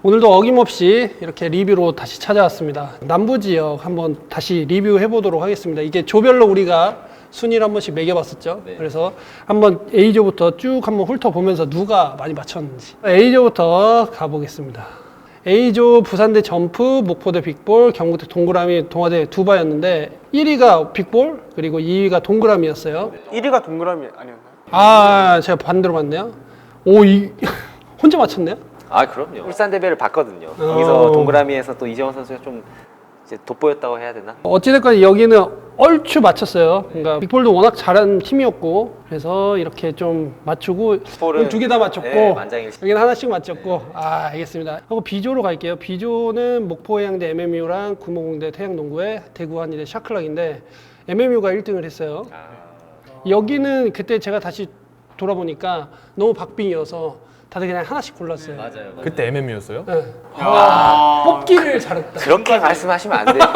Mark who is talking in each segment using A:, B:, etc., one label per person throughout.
A: 오늘도 어김없이 이렇게 리뷰로 다시 찾아왔습니다. 남부지역 한번 다시 리뷰해 보도록 하겠습니다. 이게 조별로 우리가 순위를 한 번씩 매겨봤었죠.
B: 네.
A: 그래서 한번 A조부터 쭉 한번 훑어보면서 누가 많이 맞췄는지. A조부터 가보겠습니다. A조 부산대 점프, 목포대 빅볼, 경북대 동그라미, 동아대 두바였는데 1위가 빅볼, 그리고 2위가 동그라미였어요.
C: 1위가 동그라미 아니었나요?
A: 아, 제가 반대로 봤네요. 오, 혼자 맞췄네요?
B: 아 그럼요. 울산 대배를 봤거든요. 거기서 동그라미에서 또 이재원 선수가 좀 이제 돋보였다고 해야 되나?
A: 어찌됐건 여기는 얼추 맞췄어요. 그러니까 빅볼도 워낙 잘하는 팀이었고 그래서 이렇게 좀 맞추고
B: 빅볼은
A: 두 개 다 맞췄고
B: 네, 만장일치.
A: 여기는 하나씩 맞췄고 아 알겠습니다. 하고 B조로 갈게요. B조는 목포해양대 MMU랑 구모공대 태양농구회 대구 한의대 샤클락인데 MMU가 1등을 했어요. 여기는 그때 제가 다시 돌아보니까 너무 박빙이어서 다들 그냥 하나씩 골랐어요.
B: 맞아요.
D: 그때 MMU였어요?
A: 네. 와, 뽑기를 잘했다.
B: 그렇게 말씀하시면 안 돼요.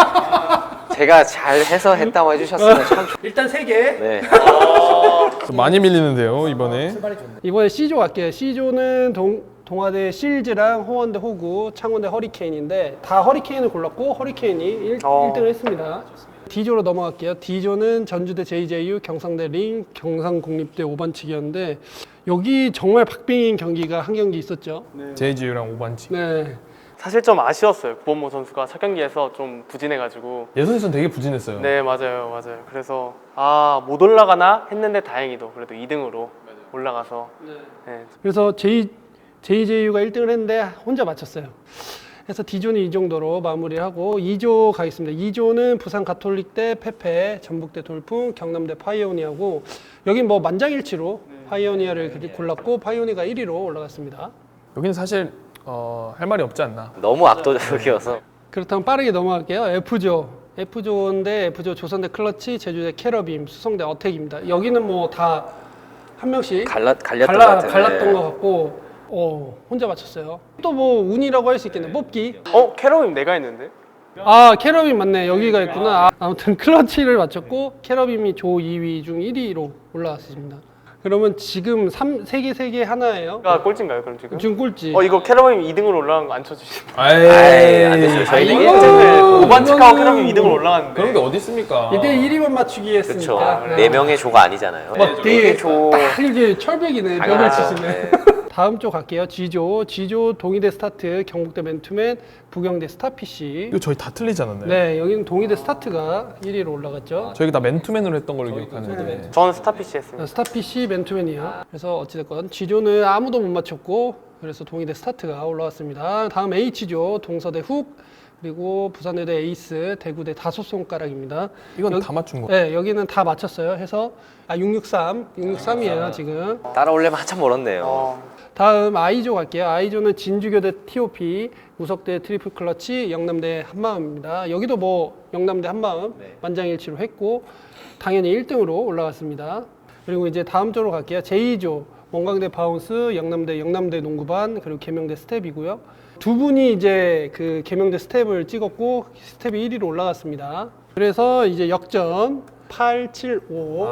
B: 제가 잘해서 했다고 해주셨으면 참 좋...
A: 일단 3개.
B: 네.
D: 좀 많이 밀리는데요 이번에.
A: 이번에 C조 갈게요. C조는 동아대 실즈랑 호원대 호구, 창원대 허리케인인데 다 허리케인을 골랐고 허리케인이 1등을 했습니다. D조로 넘어갈게요. D조는 전주대 JJU, 경상대 링, 경상국립대 5반칙이었는데 여기 정말 박빙인 경기가 한 경기 있었죠.
D: JGU랑 5반칙.
A: 네.
C: 사실 좀 아쉬웠어요. 구본모 선수가 첫 경기에서 좀 부진해가지고.
D: 예선에서는 되게 부진했어요.
C: 네, 맞아요. 그래서 못 올라가나 했는데 다행히도 그래도 2등으로 올라가서. 네.
A: 그래서 JJU가 1등을 했는데 혼자 맞췄어요. 그래서 D조는 이 정도로 마무리하고 2조 가겠습니다. 2조는 부산 가톨릭대 페페, 전북대 돌풍, 경남대 파이오니아고 여긴 뭐 만장일치로 파이오니아를 골랐고 파이오니아가 1위로 올라갔습니다.
D: 여기는 사실 할 말이 없지 않나.
B: 너무 압도적이어서.
A: 그렇다면 빠르게 넘어갈게요. F조. F조인데 F조 조선대 클러치, 제주대 캐러빔, 수성대 어택입니다. 여기는 뭐 다 한 명씩
B: 갈렸던 것 같아요.
A: 갈랐던 것 같고 혼자 맞췄어요. 또 뭐 운이라고 할 수 있겠네. 뽑기.
C: 캐럿님 내가 했는데?
A: 아 캐러빔 맞네. 여기가 있구나. 아무튼 클러치를 맞췄고 캐러빔이 조 2위 중 1위로 올라왔습니다. 그러면 지금 3개 하나예요.
C: 가 꼴찌인가요 그럼 지금?
A: 지금 꼴찌.
C: 이거 캐럿님 2등으로 올라간 거 안 쳐주시나요?
D: 아이,
B: 안 됐어요. 저희는
A: 이거-
C: 5반칙하고
A: 이거는-
C: 캐럿님 2등으로 올라갔는데.
D: 그런 게 어디 있습니까?
A: 이때 1위만 맞추기
B: 그렇죠.
A: 했으니까.
B: 네 명의 조가 아니잖아요.
A: 되게
B: 조.
A: 딱 이게 철벽이네. 벽을
B: 당연하죠.
A: 치시네.
B: 네.
A: 다음 조 갈게요. G조 동의대 스타트, 경북대 맨투맨, 부경대 스타피쉬.
D: 이거 저희 다 틀리지 않았나요?
A: 네, 여기는 동의대 스타트가 1위로 올라갔죠.
D: 저희가 다 맨투맨으로 했던 걸로 기억하는데.
C: 저는 스타피쉬 했습니다.
A: 스타피쉬 맨투맨이요. 그래서 어찌됐건 G조는 아무도 못 맞췄고 그래서 동의대 스타트가 올라왔습니다. 다음 H조 동서대 훅 그리고 부산대대 에이스, 대구대 다섯 손가락입니다.
D: 이건 다 맞춘 거.
A: 네, 여기는 다 맞췄어요. 해서 663이에요 지금.
B: 따라오려면 한참 멀었네요.
A: 다음 I조 갈게요. I조는 진주교대 TOP, 우석대 트리플 클러치, 영남대 한마음입니다. 여기도 뭐 영남대 한마음 만장일치로 했고 당연히 1등으로 올라갔습니다. 그리고 이제 다음 조로 갈게요. 제2조 원광대 바운스, 영남대 농구반, 그리고 계명대 스텝이고요. 두 분이 이제 그 계명대 스텝을 찍었고 스텝이 1위로 올라갔습니다. 그래서 이제 역전 8-7-5.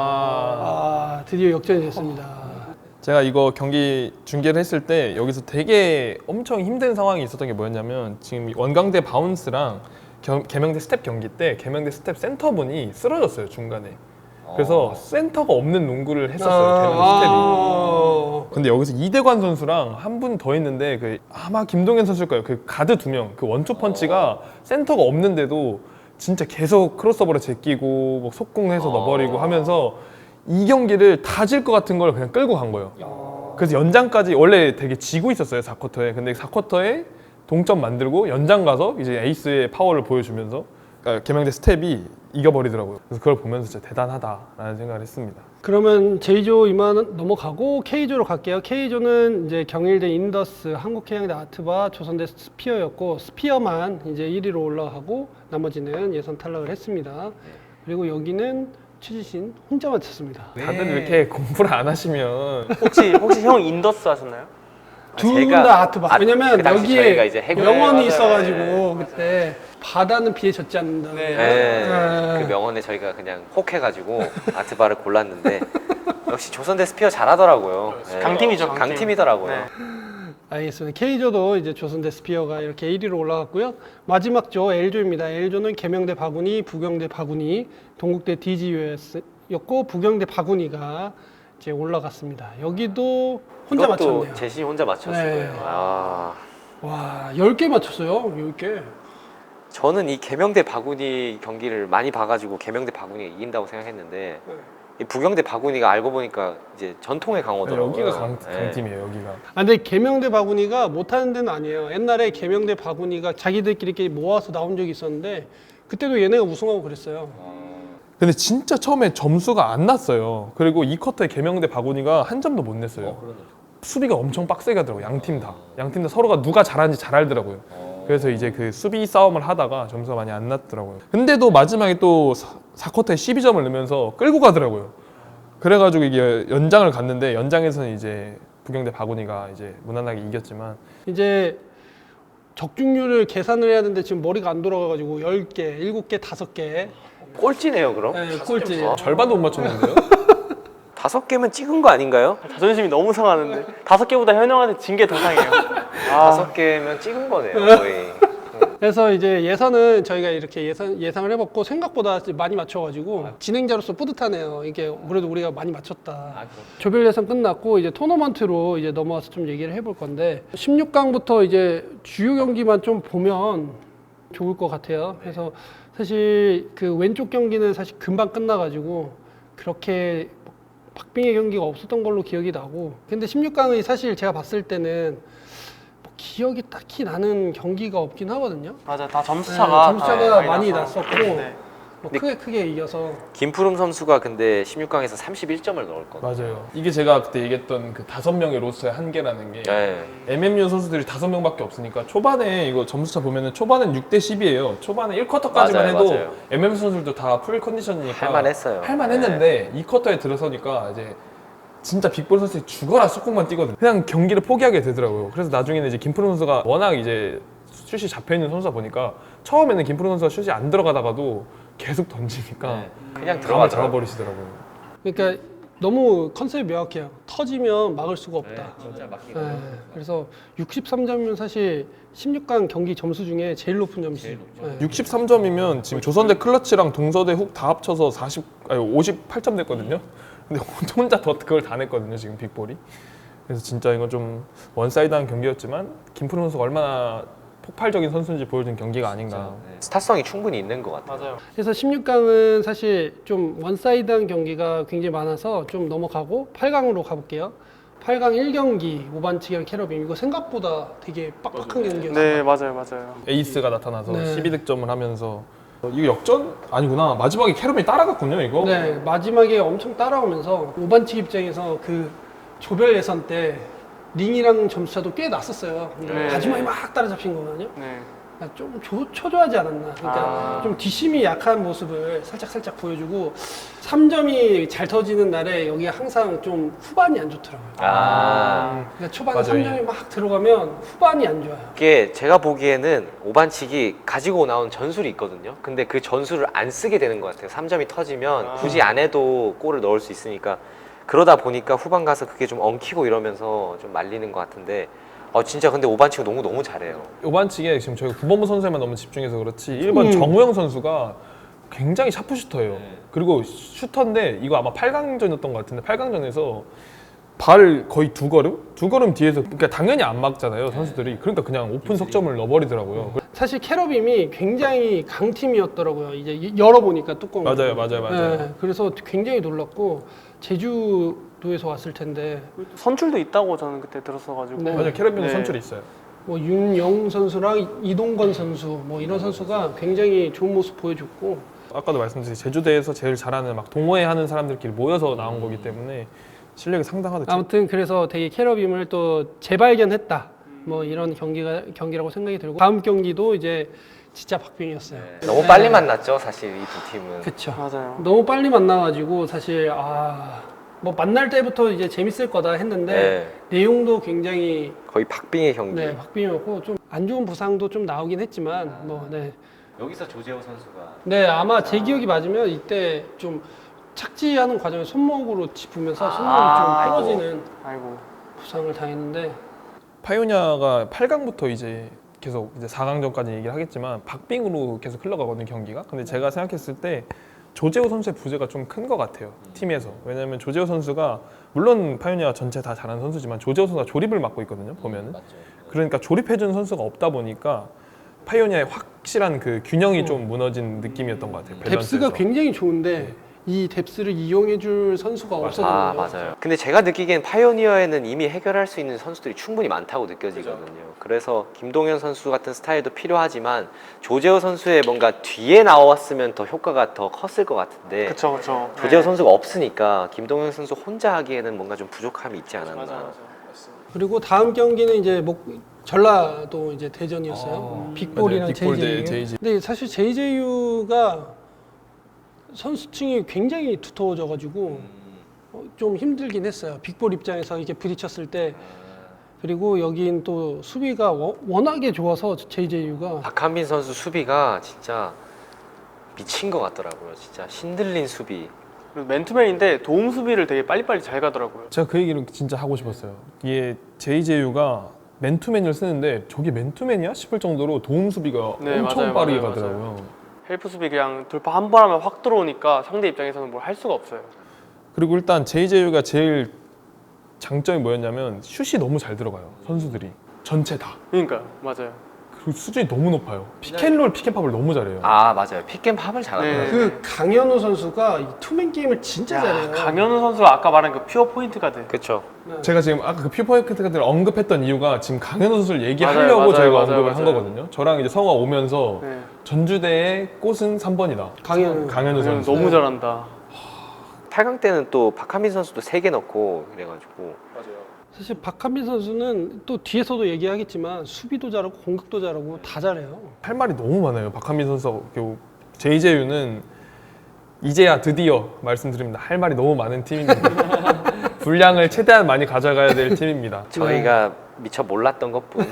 A: 드디어 역전이 됐습니다.
D: 제가 이거 경기 중계를 했을 때 여기서 되게 엄청 힘든 상황이 있었던 게 뭐였냐면 지금 원광대 바운스랑 계명대 스텝 경기 때 계명대 스텝 센터분이 쓰러졌어요 중간에. 그래서 센터가 없는 농구를 했었어요 계명대 스텝이. 근데 여기서 이대관 선수랑 한 분 더 있는데 아마 김동현 선수일 거예요. 그 가드 2명 그 원투 펀치가 센터가 없는데도 진짜 계속 크로스오버를 제끼고 뭐 속공해서 넣어버리고 하면서 이 경기를 다 질 것 같은 걸 그냥 끌고 간 거예요. 그래서 연장까지 원래 되게 지고 있었어요 4쿼터에. 근데 4쿼터에 동점 만들고 연장 가서 이제 에이스의 파워를 보여주면서 계명대 스텝이 이겨버리더라고요. 그래서 그걸 보면서 진짜 대단하다라는 생각을 했습니다.
A: 그러면 J조 이만 넘어가고 K조로 갈게요. K조는 이제 경일대 인더스, 한국해양대 아트바, 조선대 스피어였고 스피어만 이제 1위로 올라가고 나머지는 예선 탈락을 했습니다. 그리고 여기는 최지신 혼자 맞췄습니다.
D: 다들 이렇게 공부를 안 하시면
C: 혹시 형 인더스 하셨나요?
A: 둘 다 아트바. 왜냐면
B: 그 당시 저희가
A: 여기에
B: 이제 해군-
A: 명언이
C: 맞아요.
A: 있어가지고 그때 바다는 비에 젖지 않는다.
B: 네. 그 명언에 저희가 그냥 혹해가지고 아트바를 골랐는데 역시 조선대 스피어 잘하더라고요. 네.
C: 강팀이죠, 강팀.
B: 강팀이더라고요.
C: 네.
A: 알겠습니다. K조도 이제 조선대 스피어가 이렇게 1위로 올라갔고요. 마지막 조 L조입니다. L조는 계명대 바구니, 부경대 바구니, 동국대 DGUS였고 부경대 바구니가 이제 올라갔습니다. 여기도 혼자
B: 이것도
A: 맞췄네요.
B: 제시 혼자 맞췄을
A: 네.
B: 거예요. 아,
A: 와, 10개 맞췄어요. 10개.
B: 저는 이 계명대 바구니 경기를 많이 봐가지고 계명대 바구니가 이긴다고 생각했는데 이 부경대 바구니가 알고 보니까 이제 전통의 강호더라고요.
D: 여기가
B: 네.
D: 강팀이에요. 여기가.
A: 아, 근데 계명대 바구니가 못하는 데는 아니에요. 옛날에 계명대 바구니가 자기들끼리 이렇게 모아서 나온 적이 있었는데 그때도 얘네가 우승하고 그랬어요.
D: 근데 진짜 처음에 점수가 안 났어요. 그리고 이 쿼터에 계명대 바구니가 한 점도 못 냈어요. 수비가 엄청 빡세게 하더라고요. 양팀 다. 양팀 다 서로가 누가 잘하는지 잘 알더라고요. 그래서 이제 그 수비 싸움을 하다가 점수가 많이 안 났더라고요. 근데도 마지막에 또 4쿼터에 12점을 넣으면서 끌고 가더라고요. 그래가지고 이게 연장을 갔는데 연장에서는 이제 부경대 바구니가 이제 무난하게 이겼지만
A: 이제 적중률을 계산을 해야 되는데 지금 머리가 안 돌아가가지고 10개, 7개, 5개
B: 꼴찌네요, 그럼?
A: 네, 꼴찌.
D: 절반도 못 맞췄는데요.
B: 5개면 찍은 거 아닌가요?
C: 자존심이 너무 상하는데 5개보다 현영한테 진 게 더 상해요. 아,
B: 5개면 찍은 거네요, 거의.
A: 그래서 이제 예선은 저희가 이렇게 예상을 해봤고 생각보다 많이 맞춰가지고 진행자로서 뿌듯하네요. 이게 그래도 우리가 많이 맞췄다. 조별 예선 끝났고 이제 토너먼트로 이제 넘어와서 좀 얘기를 해볼 건데 16강부터 이제 주요 경기만 좀 보면 좋을 것 같아요. 그래서 사실 그 왼쪽 경기는 사실 금방 끝나가지고 그렇게 박빙의 경기가 없었던 걸로 기억이 나고 근데 16강이 사실 제가 봤을 때는 뭐 기억이 딱히 나는 경기가 없긴 하거든요.
C: 맞아, 다 점수차가
A: 점수차가 많이 났었고
C: 네.
A: 뭐 크게 이겨서
B: 김푸름 선수가 근데 16강에서 31점을 넣었거든요.
D: 맞아요. 이게 제가 그때 얘기했던 그 5명의 로스의 한계라는 게
B: 네.
D: MMU 선수들이 5명밖에 없으니까 초반에 이거 점수차 보면은 초반엔 6대 10이에요. 초반에 1쿼터까지만
B: 맞아요,
D: 해도
B: 맞아요.
D: MMU 선수들도 다 풀 컨디션이니까
B: 할만했어요.
D: 할만했는데 2쿼터에 들어서니까 이제 진짜 빅볼 선수들이 죽어라 속공만 뛰거든요. 그냥 경기를 포기하게 되더라고요. 그래서 나중에는 이제 김프로 선수가 워낙 이제 슛이 잡혀있는 선수다 보니까 처음에는 김프로 선수가 슛이 안 들어가다가도 계속 던지니까
B: 네. 그냥
D: 감을
B: 들어가더라고요.
D: 잡아버리시더라고요.
A: 그러니까 너무 컨셉이 명확해요. 터지면 막을 수가 없다.
B: 진짜 막히고.
A: 네, 그래서 63점이면 사실 16강 경기 점수 중에 제일 높은 점수. 네.
D: 63점이면 지금 조선대 클러치랑 동서대 훅 다 합쳐서 58점 냈거든요. 근데 혼자 그걸 다 냈거든요, 지금 빅볼이. 그래서 진짜 이건 좀 원사이드한 경기였지만 김프로 선수가 얼마나 폭발적인 선수인지 보여준 경기가 아닌가.
B: 네. 스타성이 충분히 있는 것 같아요.
C: 맞아요.
A: 그래서 16강은 사실 좀 원사이드한 경기가 굉장히 많아서 좀 넘어가고 8강으로 가볼게요. 8강 1경기 오반칙이랑 캐러빔 이거 생각보다 되게 빡빡한 경기였어요.
C: 네, 맞아요.
D: 에이스가 나타나서
A: 네.
D: 12득점을 하면서 이거 역전? 아니구나. 마지막에 캐러빔이 따라갔군요, 이거.
A: 네, 마지막에 엄청 따라오면서 오반칙 입장에서 그 조별 예선 때 링이랑 점수차도 꽤 났었어요.
C: 네.
A: 마지막에 막 따라잡힌 거거든요.
C: 네.
A: 그러니까 좀 초조하지 않았나. 그러니까 좀 뒷심이 약한 모습을 살짝 보여주고 3점이 잘 터지는 날에 여기 항상 좀 후반이 안 좋더라고요. 그러니까 초반에
D: 맞아요.
A: 3점이 막 들어가면 후반이 안 좋아요.
B: 이게 제가 보기에는 오반칙이 가지고 나온 전술이 있거든요. 근데 그 전술을 안 쓰게 되는 것 같아요. 3점이 터지면 굳이 안 해도 골을 넣을 수 있으니까 그러다 보니까 후반 가서 그게 좀 엉키고 이러면서 좀 말리는 것 같은데 진짜 근데 오반칙은 너무 잘해요.
D: 오반칙에 지금 저희가 9번부 선수에만 너무 집중해서 그렇지 1번 정우영 선수가 굉장히 샤프슈터예요. 그리고 슈터인데 이거 아마 8강전이었던 것 같은데 8강전에서 발 거의 두 걸음 뒤에서 그러니까 당연히 안 막잖아요 선수들이. 그러니까 그냥 오픈 석점을 넣어버리더라고요.
A: 사실 캐러빔이 굉장히 강팀이었더라고요. 이제 열어보니까 뚜껑을.
D: 맞아요.
A: 네, 그래서 굉장히 놀랐고 제주도에서 왔을 텐데
C: 선출도 있다고 저는 그때 들었어가지고.
A: 네.
D: 맞아요. 캐러빈
C: 네.
D: 선출이 있어요.
A: 뭐 윤영우 선수랑 이동건 선수 뭐 이런 선수가 굉장히 좋은 모습 보여줬고
D: 아까도 말씀드린 제주대에서 제일 잘하는 막 동호회 하는 사람들끼리 모여서 나온 거기 때문에 실력이 상당하다.
A: 아무튼 그래서 되게 캐러빔을 또 재발견했다. 뭐 이런 경기라고 생각이 들고 다음 경기도 이제 진짜 박빙이었어요.
B: 너무 빨리 만났죠, 사실 이 두 팀은.
A: 그렇죠.
C: 맞아요.
A: 너무 빨리 만나가지고 사실 뭐 만날 때부터 이제 재밌을 거다 했는데 내용도 굉장히
B: 거의 박빙의 경기.
A: 네, 박빙이었고 좀 안 좋은 부상도 좀 나오긴 했지만
B: 여기서 조재호 선수가
A: 네 아마 제 기억이 맞으면 이때 좀 착지하는 과정에 손목으로 짚으면서 손목이 좀 부러지는
C: 아이고.
A: 부상을 당했는데
D: 파이오니아가 8강부터 이제 계속 이제 4강전까지 얘기를 하겠지만 박빙으로 계속 흘러가거든요, 경기가. 근데 제가 생각했을 때 조재호 선수의 부재가 좀 큰 것 같아요, 팀에서. 왜냐면 조재호 선수가 물론 파이오니아 전체 다 잘하는 선수지만 조재호 선수가 조립을 맡고 있거든요, 보면은. 그러니까 조립해주는 선수가 없다 보니까 파이오니아의 확실한 그 균형이 좀 무너진 느낌이었던 것 같아요.
A: 뎁스가
D: 밸런스에서.
A: 굉장히 좋은데 이 뎁스를 이용해줄 선수가 없어서
B: 아 맞아요. 근데 제가 느끼기엔 파이오니어에는 이미 해결할 수 있는 선수들이 충분히 많다고 느껴지거든요. 그래서 김동현 선수 같은 스타일도 필요하지만 조재호 선수의 뭔가 뒤에 나왔으면 더 효과가 더 컸을 것 같은데
C: 그쵸 그쵸.
B: 조재호 선수가 없으니까 김동현 선수 혼자 하기에는 뭔가 좀 부족함이 있지 않았나.
C: 맞아.
A: 그리고 다음 경기는 이제 전라도 이제 대전이었어요. 빅볼이랑
D: 맞아요. 빅볼 대
A: JJU.
D: JJ.
A: 근데 사실 JJU가 선수층이 굉장히 두터워져가지고 좀 힘들긴 했어요. 빅볼 입장에서 이렇게 부딪혔을 때. 그리고 여긴 또 수비가 워낙에 좋아서 JJU가
B: 박한빈 선수 수비가 진짜 미친 것 같더라고요. 진짜 신들린 수비.
C: 그리고 맨투맨인데 도움 수비를 되게 빨리빨리 잘 가더라고요.
D: 제가 그 얘기를 진짜 하고 싶었어요. 이게 JJU가 맨투맨을 쓰는데 저게 맨투맨이야 싶을 정도로 도움 수비가
C: 네,
D: 엄청
C: 맞아요,
D: 빠르게
C: 맞아요,
D: 가더라고요.
C: 헬프 수비 그냥 돌파 한 번 하면 확 들어오니까 상대 입장에서는 뭘 할 수가 없어요.
D: 그리고 일단 JJU가 제일 장점이 뭐였냐면 슛이 너무 잘 들어가요, 선수들이 전체 다.
C: 그러니까 맞아요.
D: 그리고 수준이 너무 높아요. 피켄롤, 피켄팝을 너무 잘해요.
B: 아 맞아요. 픽앤팝을 잘하더라고요.
C: 네.
A: 그 강현우 선수가 이 투맨 게임을 진짜 잘해요.
C: 강현우 선수가 아까 말한 그 퓨어 포인트 가드.
B: 그렇죠.
D: 제가 지금 아까 그 퓨퍼에크트를 언급했던 이유가 지금 강현우 선수를 얘기하려고 저희가 언급을 한 거거든요. 저랑 이제 성화 오면서
C: 네.
D: 전주대의 꽃은 3번이다.
A: 강현우.
D: 강현우 선수.
C: 너무 잘한다.
B: 8강 때는 또 박한빈 선수도 3개 넣고 그래가지고
A: 사실 박한빈 선수는 또 뒤에서도 얘기하겠지만 수비도 잘하고 공격도 잘하고 다 잘해요.
D: 할 말이 너무 많아요. 박한민 선수, JJU는 이제야 드디어 말씀드립니다. 할 말이 너무 많은 팀입니다. 분량을 최대한 많이 가져가야 될 팀입니다.
B: 저희가 미처 몰랐던 것뿐.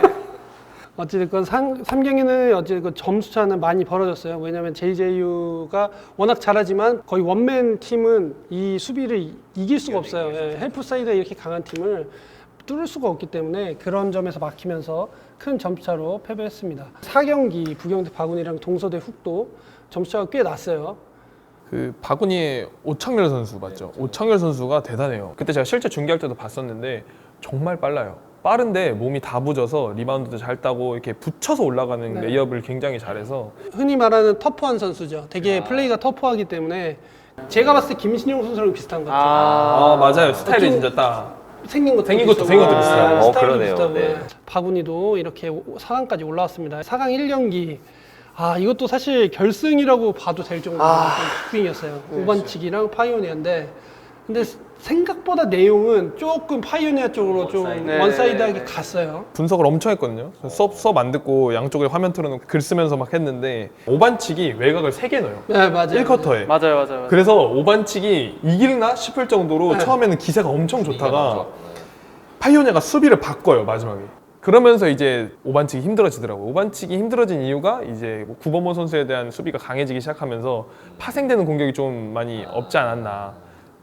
A: 어찌됐건 3경기는 어찌됐건 점수차는 많이 벌어졌어요. 왜냐하면 JJU가 워낙 잘하지만 거의 원맨 팀은 이 수비를 이길 수가 없어요. 예, 헬프 사이드에 이렇게 강한 팀을 뚫을 수가 없기 때문에 그런 점에서 막히면서 큰 점수차로 패배했습니다. 4경기 부경대 바군이랑 동서대 훅도 점수차가 꽤 났어요.
D: 그 바구니의 오창열 선수 맞죠? 오창열 선수가 대단해요. 그때 제가 실제 중계할 때도 봤었는데 정말 빨라요. 빠른데 몸이 다 부져서 리바운드도 잘 따고 이렇게 붙여서 올라가는
A: 네.
D: 레이업을 굉장히 잘해서
A: 흔히 말하는 터프한 선수죠. 되게 플레이가 터프하기 때문에 제가 봤을 때 김신용 선수랑 비슷한 것 같아요.
D: 아 맞아요. 스타일이 진짜 딱
A: 생긴 것도
D: 생긴 것도 비슷하고.
B: 어, 그러네요.
A: 비슷하고.
B: 네.
A: 바구니도 이렇게 4강까지 올라왔습니다. 4강 1경기. 아 이것도 사실 결승이라고 봐도 될 정도로 빅빙이었어요. 5반칙이랑 파이오니아인데 근데 생각보다 내용은 조금 파이오니아 쪽으로 좀 원사이드하게 갔어요.
D: 분석을 엄청 했거든요. 수업 안 듣고 양쪽에 화면 틀어놓고 글 쓰면서 막 했는데 5반칙이 외곽을 3개 넣어요.
A: 네 맞아요.
D: 1쿼터에.
C: 맞아요.
D: 그래서 5반칙이 이길나 싶을 정도로 처음에는 기세가 엄청 좋다가 파이오니아가 수비를 바꿔요, 마지막에. 그러면서 이제 5반칙이 힘들어지더라고요. 5반칙이 힘들어진 이유가 이제 뭐 구범호 선수에 대한 수비가 강해지기 시작하면서 파생되는 공격이 좀 많이 없지 않았나.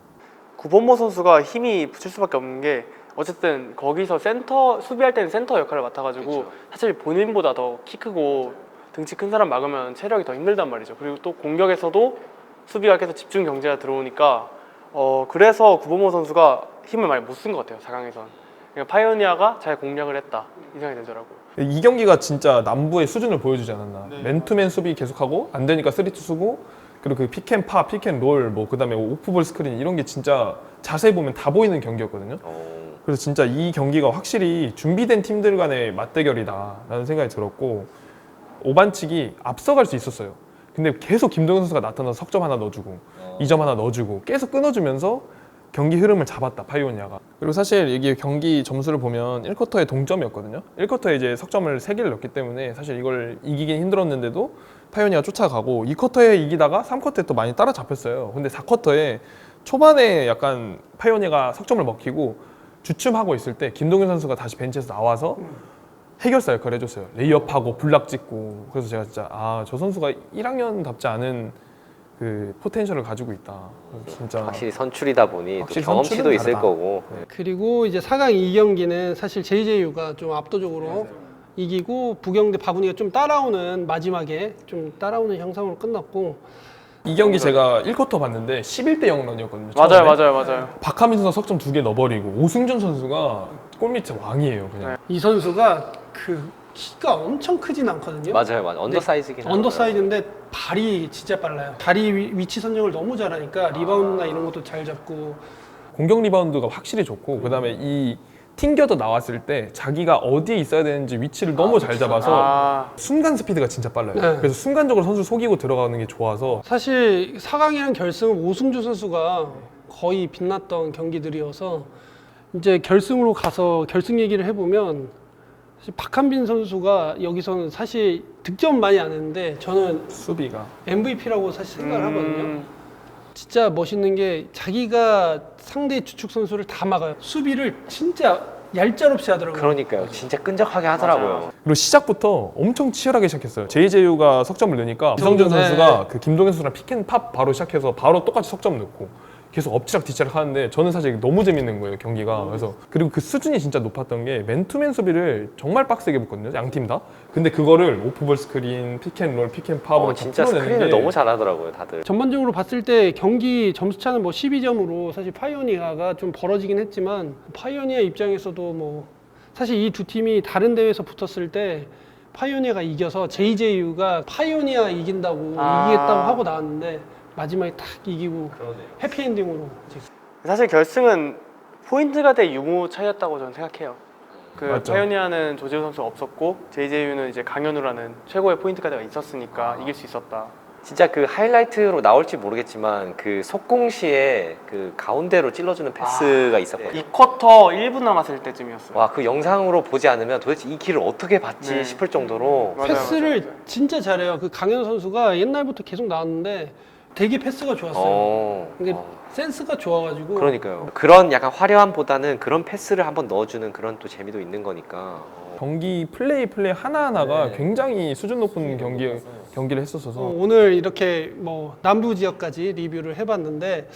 C: 구본모 선수가 힘이 붙일 수밖에 없는 게 어쨌든 거기서 센터 수비할 때는 센터 역할을 맡아가지고 사실 본인보다 더 키 크고 등치 큰 사람 막으면 체력이 더 힘들단 말이죠. 그리고 또 공격에서도 수비가 계속 집중 경제가 들어오니까 그래서 구본모 선수가 힘을 많이 못 쓴 것 같아요. 4강에선. 그러니까 파이오니아가 잘 공략을 했다 이 생각이 들더라고요.
D: 이 경기가 진짜 남부의 수준을 보여주지 않았나. 맨투맨 수비 계속하고 안 되니까 3-2 쓰고 그리고 그 픽앤파, 픽앤롤 뭐 그다음에 오프볼 스크린 이런 게 진짜 자세히 보면 다 보이는 경기였거든요. 그래서 진짜 이 경기가 확실히 준비된 팀들 간의 맞대결이다라는 생각이 들었고 5반칙이 앞서갈 수 있었어요. 근데 계속 김동현 선수가 나타나서 석점 하나 넣어주고 2점 하나 넣어주고 계속 끊어주면서 경기 흐름을 잡았다, 파이오니아가. 그리고 사실 이게 경기 점수를 보면 1쿼터에 동점이었거든요. 1쿼터에 이제 석점을 3개를 넣었기 때문에 사실 이걸 이기긴 힘들었는데도 파이오니아가 쫓아가고 2쿼터에 이기다가 3쿼터에 또 많이 따라잡혔어요. 근데 4쿼터에 초반에 약간 파이오니아가 석점을 먹히고 주춤하고 있을 때 김동현 선수가 다시 벤치에서 나와서 해결사 역할을 해줬어요. 레이업하고 블락 찍고. 그래서 제가 진짜 저 선수가 1학년답지 않은 그 포텐셜을 가지고 있다. 진짜
B: 확실히 선출이다 보니 또
D: 확실히
B: 경험치도
D: 선출은
B: 있을
D: 다르다.
B: 거고.
A: 그리고 이제 4강 2경기는 사실 JJU가 좀 압도적으로 이기고 부경대 바구니가 좀 따라오는 마지막에 좀 따라오는 형상으로 끝났고
D: 이 경기 제가 1쿼터 봤는데 11대 0런이었거든요.
C: 맞아요.
D: 박하민 선수가 석점 2개 넣어버리고 오승준 선수가 골밑의 왕이에요. 그냥.
A: 이 선수가 그 키가 엄청 크진 않거든요.
B: 맞아요. 언더사이즈긴 하죠.
A: 언더사이즈인데 발이 진짜 빨라요. 다리 위치 선정을 너무 잘하니까 리바운드나 이런 것도 잘 잡고
D: 공격 리바운드가 확실히 좋고 그다음에 이 튕겨져 나왔을 때 자기가 어디에 있어야 되는지 위치를 너무 잘 잡아서 순간 스피드가 진짜 빨라요.
A: 네.
D: 그래서 순간적으로 선수 속이고 들어가는 게 좋아서
A: 사실 4강이랑 결승은 오승주 선수가 거의 빛났던 경기들이어서 이제 결승으로 가서 결승 얘기를 해보면 사실 박한빈 선수가 여기서는 사실 득점 많이 안 했는데 저는
D: 수비가
A: MVP라고 사실 생각을 하거든요. 진짜 멋있는 게 자기가 상대 주축 선수를 다 막아요. 수비를 진짜 얄짤없이 하더라고요.
B: 그러니까요. 진짜 끈적하게 하더라고요.
D: 그리고 시작부터 엄청 치열하게 시작했어요. JJU가 석점을 넣으니까 이성준
A: 네.
D: 선수가 그 김동현 선수랑 피켄팝 바로 시작해서 바로 똑같이 석점 넣고 계속 엎치락 뒤치락 하는데 저는 사실 너무 재밌는 거예요 경기가. 그래서 그리고 그 수준이 진짜 높았던 게 맨투맨 수비를 정말 빡세게 붙거든요 양 팀 다. 근데 그거를 오프볼 스크린, 피켄롤, 피켄팝으로
B: 진짜 스크린을 너무 잘하더라고요, 다들.
A: 전반적으로 봤을 때 경기 점수차는 뭐 12점으로 사실 파이오니아가 좀 벌어지긴 했지만 파이오니아 입장에서도 뭐 사실 이 두 팀이 다른 대회에서 붙었을 때 파이오니아가 이겨서 JJU가 파이오니아 이긴다고 이기겠다고 하고 나왔는데 마지막에 딱 이기고 해피엔딩으로 이제
C: 사실 결승은 포인트가 대 유무 차이였다고 저는 생각해요. 그
D: 맞죠.
C: 파이오니아는 조재호 선수가 없었고 JJU는 이제 강현우라는 최고의 포인트 가드가 있었으니까 이길 수 있었다.
B: 진짜 그 하이라이트로 나올지 모르겠지만 그 속공 시에 그 가운데로 찔러주는 패스가 있었거든요.
C: 2쿼터 1분 남았을 때쯤이었어요.
B: 와, 그 영상으로 보지 않으면 도대체 이 길을 어떻게 봤지
C: 네.
B: 싶을 정도로
C: 맞아요,
A: 패스를 진짜 잘해요. 그 강현우 선수가 옛날부터 계속 나왔는데 되게 패스가 좋았어요. 이게 센스가 좋아가지고
B: 그러니까요. 그런 약간 화려함보다는 그런 패스를 한번 넣어주는 그런 또 재미도 있는 거니까.
D: 경기 플레이 하나하나가 굉장히 수준 높은 경기를 했었어서
A: 오늘 이렇게 뭐 남부 지역까지 리뷰를 해봤는데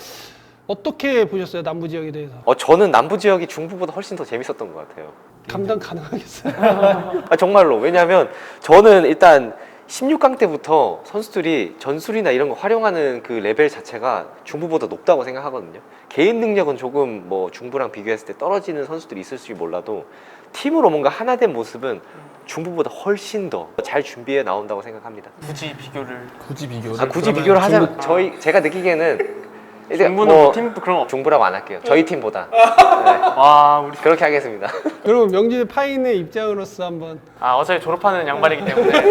A: 어떻게 보셨어요? 남부 지역에 대해서
B: 저는 남부 지역이 중부보다 훨씬 더 재밌었던 것 같아요.
A: 감당 가능하겠어요?
B: 정말로. 왜냐하면 저는 일단 16강 때부터 선수들이 전술이나 이런 거 활용하는 그 레벨 자체가 중부보다 높다고 생각하거든요. 개인 능력은 조금 뭐 중부랑 비교했을 때 떨어지는 선수들이 있을지 몰라도 팀으로 뭔가 하나 된 모습은 중부보다 훨씬 더 잘 준비해 나온다고 생각합니다.
C: 굳이 비교를.
D: 굳이 비교를
B: 굳이
D: 그러면
B: 비교를 하자면
D: 중국-
B: 제가 느끼기에는 이제
C: 중부는
B: 뭐
C: 팀 그런 거 없죠.
B: 중부라고 안 할게요. 저희 팀보다. 네,
C: 와 우리
B: 그렇게 하겠습니다.
A: 그럼 명진 파인의 입장으로서 한번
C: 어차피 졸업하는 양반이기 때문에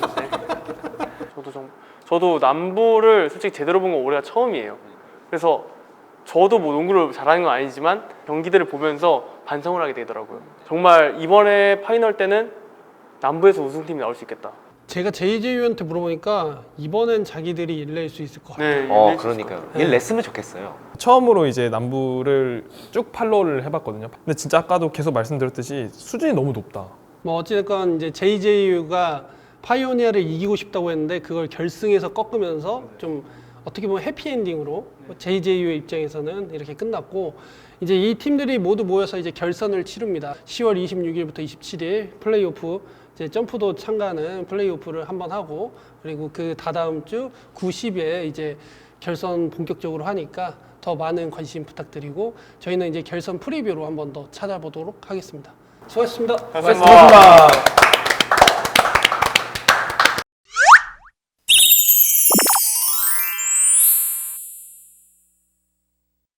C: 저도 남부를 솔직히 제대로 본 건 올해가 처음이에요. 그래서 저도 뭐 농구를 잘하는 건 아니지만 경기들을 보면서 반성을 하게 되더라고요. 정말 이번에 파이널 때는 남부에서 우승팀이 나올 수 있겠다.
A: 제가 JJU한테 물어보니까 이번엔 자기들이 일낼 수 있을 것 같아요.
C: 네,
B: 그러니까요. 일 냈으면 좋겠어요.
D: 처음으로 이제 남부를 쭉 팔로우를 해봤거든요. 근데 진짜 아까도 계속 말씀드렸듯이 수준이 너무 높다.
A: 뭐 어찌됐건 이제 JJU가 파이오니아를 이기고 싶다고 했는데 그걸 결승에서 꺾으면서 좀 어떻게 보면 해피엔딩으로 JJU의 입장에서는 이렇게 끝났고 이제 이 팀들이 모두 모여서 이제 결선을 치릅니다. 10월 26일부터 27일 플레이오프 이제 점프도 참가하는 플레이오프를 한번 하고 그리고 그 다다음 주 9, 10에 이제 결선 본격적으로 하니까 더 많은 관심 부탁드리고 저희는 이제 결선 프리뷰로 한번 더 찾아보도록 하겠습니다. 수고하셨습니다.
C: 고맙습니다.